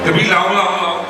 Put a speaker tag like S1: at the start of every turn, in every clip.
S1: တပီလောင်းလောင်းလောင်း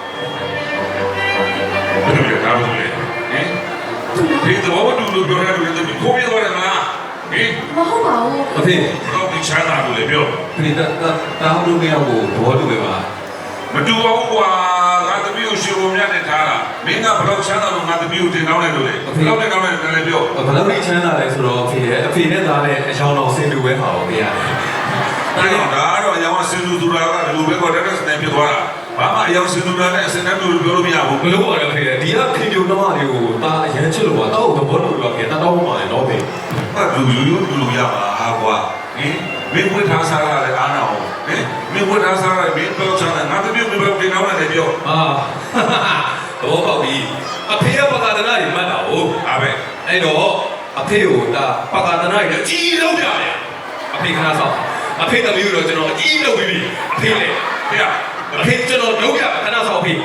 S1: ဘယ်လိုလဲဒါဘယ်လိုလဲဟင်ဒီတော့ဘာလို့ပြောရလဲတပီကိုပြသွားတယ်မလားဟင်
S2: မဟုတ်ပါဘူး
S3: အဖေ
S1: တော့ဒီချမ်းသာလို့လေပြော
S3: ဒီတာဟုတ်လို့မရဘူးသဘောတူပဲပါ
S1: မတူပါဘူးကွာငါတပီကိုရှင်ပုံမြတ်နဲ့ထားတာမင်းကဘလို့ချမ်းသာလို့ငါတပီကိုတင်တောင်းလိုက်လို့လေဘလို့တင်တောင်းလိုက်တယ်လည်းပြော
S3: ဘလို့ချမ်းသာလဲဆိုတော့အဖေနဲ့သားနဲ့အချောင်းတော်ဆင်တူပဲပါဘူးခင်ဗျာ
S1: ဒါတော့အယောင်စင်လူသူရာကဘယ်လိုပဲခေါ်တဲ့စနေပြသွားတာဘာမှအယောင်စင်လူရာနဲ့စနေတူပြောလို့မရဘူး
S3: ဘလို့ပါလဲခင်ဗျာဒီကခင်ဗျုံသမားတွေကိုတာအရန်ချစ်လို့ပါတော့သဘောတူလို့ခင်ဗျာတောင်းမှလည်းတော့ပဲ
S1: ဟာလူရပါဟာကွာဟင်မင်းဝတ်ထားစားရတယ်အားနာအောင်ဟင်မင်းဝတ်ထားစားရတယ်မင်းတော့ချမ်းသာငါတပြုတ်ပြုတ်တင်အောင်လည်းပြော
S3: တော့ပေါ့ပြီအဖေကပကာဒနာတွေမှတ်တာဟုတ်
S1: ဒါပဲ
S3: အဲ့တော့အဖေကိုဒါပကာဒနာတွေအကြီးလုံးပြရတယ်အဖေခဏဆောက်အဖေသမီးတို့ကျွန်တော်အကြီးလုပ်ပြီးပြီအဖေလေအဖေကျွန်တော်လုပ်ရခဏဆောက်ဖေ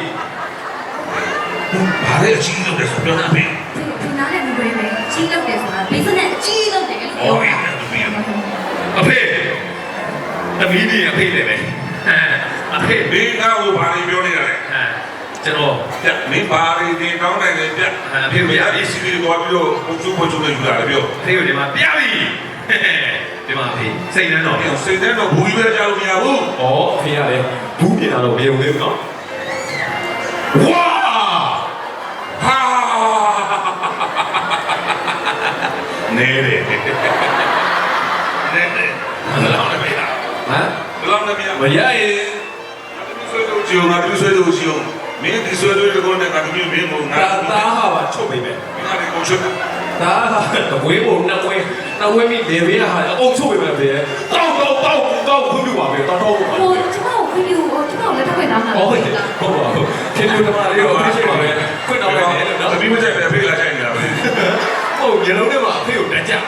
S1: ဘာလဲအကြီးလုပ်တယ်ဆိုပြောတာဖေ
S2: ဒီနားနဲ့ဒီဘယ်ပဲကြီးလုပ်တယ်ဆိုတာဘိစနက်အကြီးလုပ်တယ်လို့ပြောတာ
S3: အဖေသမီးကြီးအဖေလေပဲအဖေ
S1: ဘေးကဟိုဘာတွေပြောနေတာလဲ
S3: ကျွန်တော်
S1: ပြမင်းဘာတွေတင်တောင်းနိုင်လဲပြ
S3: အဖေပြ
S1: ပြီစီပြီးတော့ပြီးတော့ပုံစုပုံစုနဲ့ယူလာတယ်ပြော
S3: အဖေကဒီမှာပြပြီဒီမှာဖေစိတ်နှမ်းတော့
S1: စိတ်နှမ်းတော့ဘူးကြီးပဲကြောက်လို့မရဘူး
S3: ဩအဖေကလည်းဘူးပြင်လာတော့မယုံသေးဘူးနော်ဝါ
S1: ဟာနေတယ်နေတယ်လောင်းနေပြီလား
S3: ဟမ်
S1: လောင်းနေပြီ
S3: မရရင်
S1: ဆွေးလို့ကြုံတာသူဆွေးလို့ရှိအောင်မင်းဒီဆွေးလို့ကောနဲ့ငါတမျိုးမင်းမို့ငါ
S3: တားဟာပါချုပ်ပေးမယ်
S1: ငါဒီကိုချုပ်
S3: ဒါကဝေးဖို့နှစ်ဝဲမိလေဘေးဟာအုပ်ချုပ်ပေးမယ်ဗျတောက်ခွင့်ပြုပါပဲတောက်
S2: ဟိုကျွန်တော်ခွင့်ပြုကျွန်တော်လက်ထပ်ခွင့်တောင်းတာ
S3: ဟုတ်ပါဘူးခင်ဗျားတို့ရောအဖေရှိပါပဲခွင့်တောင်းလိုက်တယ်
S1: နော်တပီးမကြိုက်ပဲအဖေလာကြိုက်နေတာပဲ
S3: ဟုတ်ညလုံးထဲမှာအဖေကိုတက်ကြ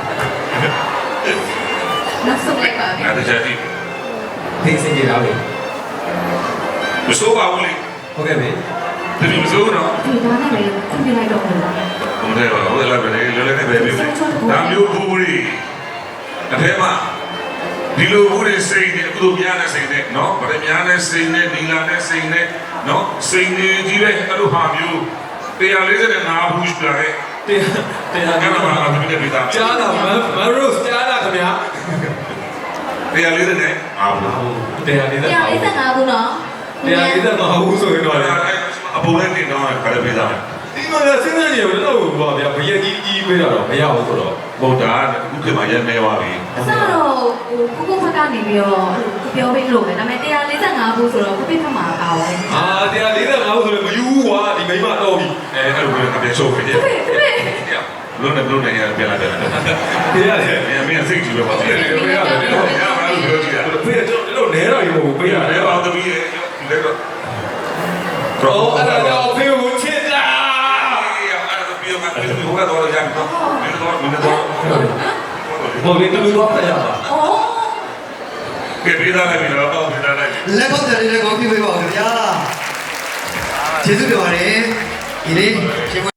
S2: နောက်ဆုံးလိုက်ပါ
S1: ငါတကြတိ
S3: ဖေးစင်ကြတာပဲ
S1: မစိုးပါဘူးလေ
S3: ဟုတ်ကဲ့ပဲ
S1: တပီးမစိုးတော့
S2: ဒီနားနဲ့လည်းခွင့်ပြုလိုက်တော့ဘူး
S1: ဟုတ်တယ်ပါဟုတ်တယ်လားပဲလေလွယ်လွယ်နဲ့ပဲပြီဒါမျိုးဘူးရီအထဲမှာဒီလိုဘူးရီစိတ်နဲ့အခုလိုများတဲ့စိတ်နဲ့နော်ဗရများတဲ့စိတ်နဲ့ဒီလာတဲ့စိတ်နဲ့နော်စိတ်နဲ့ကြီးပဲအဲ့လိုဟာမျိုး145ဘူးရှိတယ်
S3: တရား
S1: ကမှာအပြင်ပြတာ
S3: ကြားတာမရိုးကြားတာခင်ဗျာ
S1: 145ဘူး
S2: 145ဘူးနော်
S3: 145ဘူးဆိုရင်တော့
S1: အပေါ်နဲ့တင်တော့ခါရပေးတာ
S3: ဒီမှာစဉ်းစားကြည့်ရတော့ဘာဗျာဘယက်ကြီးပေးတာတော့မရဘူးဆိုတော့
S1: ဗုဒ္ဓအခုခေတ်မှာရဲနေပါပြီ
S2: အစတော့ကိုကိုဖက်ကနေပြီးတော့ပြောပေးလို့ပဲဒါပေမဲ့145ဘူးဆိုတော့ကိုပြဖက်မှာပါပါတယ်
S3: 145ဘူးဆိုတော့မယူဘူးကွာဒီမိမတော့ပြီ
S1: အဲ့လိုပဲကပြောဆိုဖြစ်တယ်လုံးနဲ့ရပြန်လာတယ်
S3: တရား
S1: မင်းစိတ်ကြည့်ပဲပါရတယ်ရပါလို့ပြောကြည့်တာ
S3: ဖေးတော့နဲတော့ရုံပေးရ
S1: တယ်ပါသမီးရဲ့လက်တော့
S3: တော့အဲ့ဒါတော့ဖေးကိုချစ်တာ
S1: ဟိုကတော့ရမ်းတော့မင်းတော့
S3: ဟိုလေတူတော့ဖတ်ရပါ
S1: ကဲပေးသားလိုက်ပြီတော့ပေးသားလိုက်
S4: လက်ကောက်တယ်လေးကိုပြပေးပါဦးခင်ဗျာကျေးဇူးတင်ပါတယ်ဒီနေ့